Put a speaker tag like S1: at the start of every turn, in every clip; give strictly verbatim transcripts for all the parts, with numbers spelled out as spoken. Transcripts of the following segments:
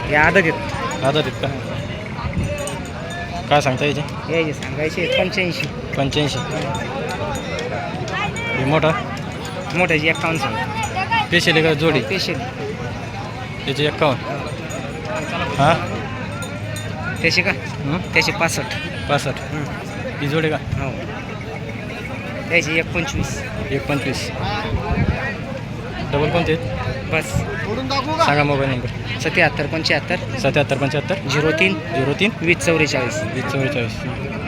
S1: या आदत आहेत.
S2: आदत आहेत का? काय सांगता याचे?
S1: यायचे सांगायचे पंच्याऐंशी.
S2: पंच्याऐंशी. हे मोठा
S1: मोठ्याची एक्कावन्न सांगा.
S2: पेशल का जोडी?
S1: पेशल.
S2: त्याची एक्कावन्न. हां
S1: त्याचे का? त्याचे पासष्ट.
S2: पासष्ट. ही जोडी का?
S1: हो. त्याची एक पंचवीस.
S2: एक पंचवीस. डबल कोणते?
S1: बस
S2: सांगा मोबाईल नंबर.
S1: सत्याहत्तर पंच्याहत्तर
S2: सत्याहत्तर पंच्याहत्तर
S1: झिरो तीन
S2: झिरो तीन
S1: वीस चौवेचाळीस.
S2: वीस चौवेचाळीस.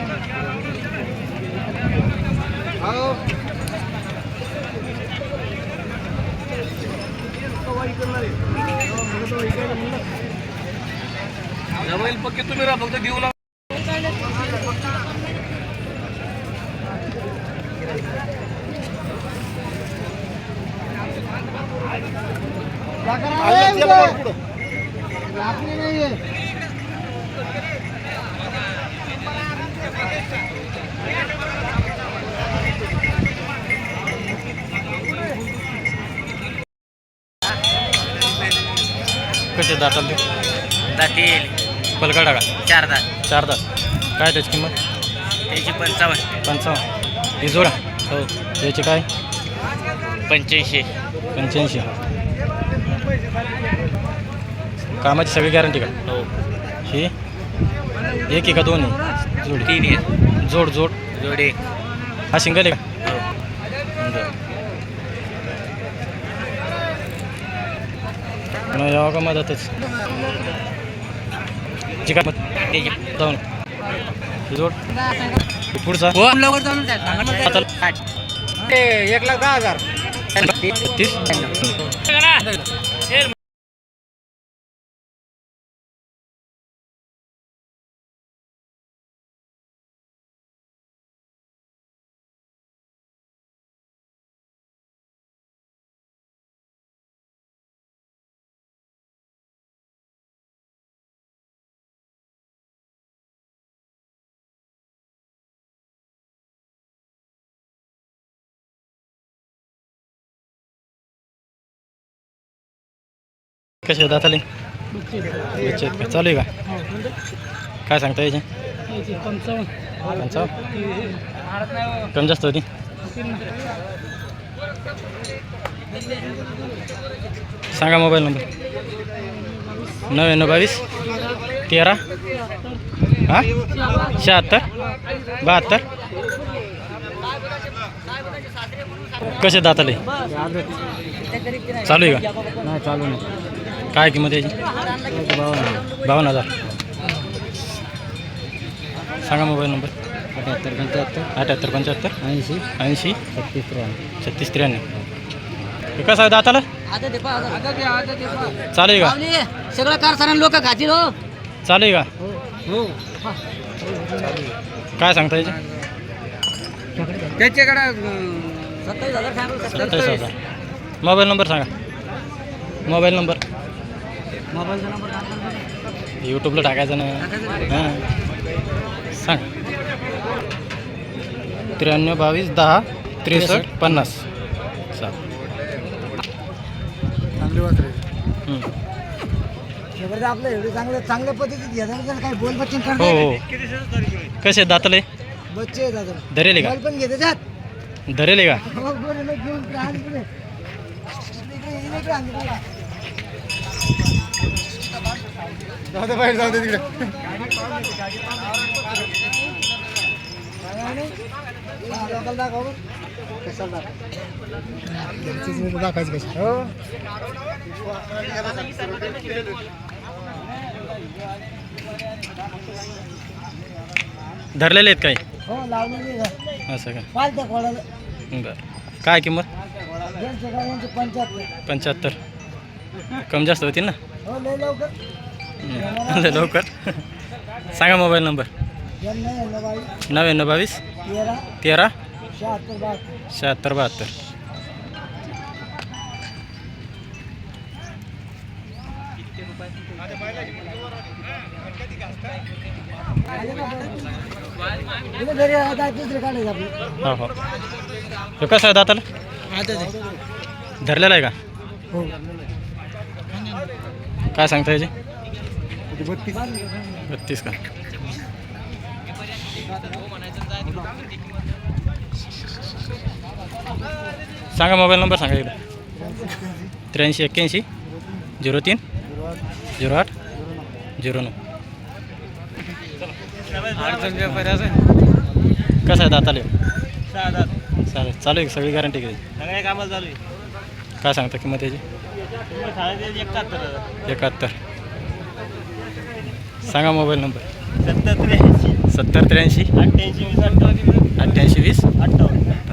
S3: पक्के तुम्ही राहा फक्त घेऊ लागला.
S2: कसे दाताल ते?
S1: जातील
S2: पलकाडा का?
S1: चार दात.
S2: चार दात. काय त्याची किंमत?
S1: त्याची पंचावन्न.
S2: पंचावन्न. ही जोडा?
S1: हो.
S2: याची काय?
S1: पंच्याऐंशी.
S2: पंच्याऐंशी. कामाची सगळी गॅरंटी का?
S1: हो.
S2: ही एक आहे का दोन आहे? जोड.
S1: तीन आहे.
S2: जोड जोड
S1: जोडे.
S2: हा सिंगल आहे का? मग यावं का मधातच? जी काय जाऊन जोड पुढचा
S1: एक लाख दहा हजार.
S2: तीस. कसे दाताले? बच्चे आहेत का? चालू आहे का? काय सांगता याचे? पंचावन्न. कमी जास्त होती? सांगा मोबाईल नंबर. नव्याण्णव बावीस तेरा हां शहात्तर बहात्तर. कसे दाताले? चालू आहे का?
S1: नाही चालू नाही.
S2: काय किंमत याची? बावन्न हजार. सांगा मोबाईल नंबर.
S1: अठ्याहत्तर पंच्याहत्तर
S2: अठ्याहत्तर पंच्याहत्तर
S1: ऐंशी
S2: ऐंशी
S1: छत्तीस त्र्याण्णव.
S2: छत्तीस त्र्याण्णव. हे कसं आहे दाताला? चालू आहे का?
S1: सगळं कारखाना लोक खातील. हो.
S2: चालू आहे का?
S1: हो.
S2: काय सांगता याचे?
S1: त्याच्याकडे सत्तावीस हजार
S2: सत्तावीस हजार. मोबाईल नंबर सांगा. मोबाईल नंबर
S1: मोबाईलचा नंबर
S2: यूट्यूबला टाकायचं ना. हां सांग. त्र्याण्णव बावीस दहा त्रेसष्ट पन्नास. चाल.
S1: चांगली वाटते.
S2: हं.
S1: आपलं एवढं चांगलं चांगल्या पद्धतीत घ्यायचं काही बोल बच्चन
S2: हो हो. कसे दातले?
S1: बच्चे दादा
S2: धरेले का?
S1: पण घेते जात.
S2: धरेले का?
S1: जाऊ बाहेर जाऊ दे तिकडे. दाखवायचं कशी? हो.
S2: धरलेले आहेत काही?
S1: हो लावलेली
S2: असं का?
S1: पालत्या कोणाला
S2: बरं. काय किंमत?
S1: पंच्याहत्तर.
S2: पंच्याहत्तर. कमी जास्त होतील ना?
S1: हो लय लवकर.
S2: हं. लय लवकर. सांगा मोबाईल नंबर. नव्याण्णव बावीस
S1: तेरा
S2: तेरा
S1: शहात्तर बहात्तर.
S2: शहात्तर बहात्तर.
S1: घरी आता दुसरे काढायचं आपलं.
S2: हो हो. हे कसं आहे दाताला? धरलेला आहे का?
S1: हो.
S2: काय सांगता याचे?
S1: बत्तीस
S2: बत्तीस का सांगा मोबाईल नंबर सांगा एकदा त्र्याऐंशी एक्क्याऐंशी झिरो तीन झिरो आठ झिरो नऊ कसं आहे दाताले चालेल चालू आहे सगळी गॅरंटी घ्यायची
S3: सगळ्या कामाला चालू आहे
S2: काय सांगता किंमत याची
S3: एकाहत्तर
S2: एकाहत्तर सांगा मोबाईल नंबर
S3: सत्तर त्र्याऐंशी
S2: सत्तर त्र्याऐंशी
S3: अठ्ठ्याऐंशी वीस अठ्ठावन्न
S2: अठ्ठ्याऐंशी वीस
S3: अठ्ठावन्न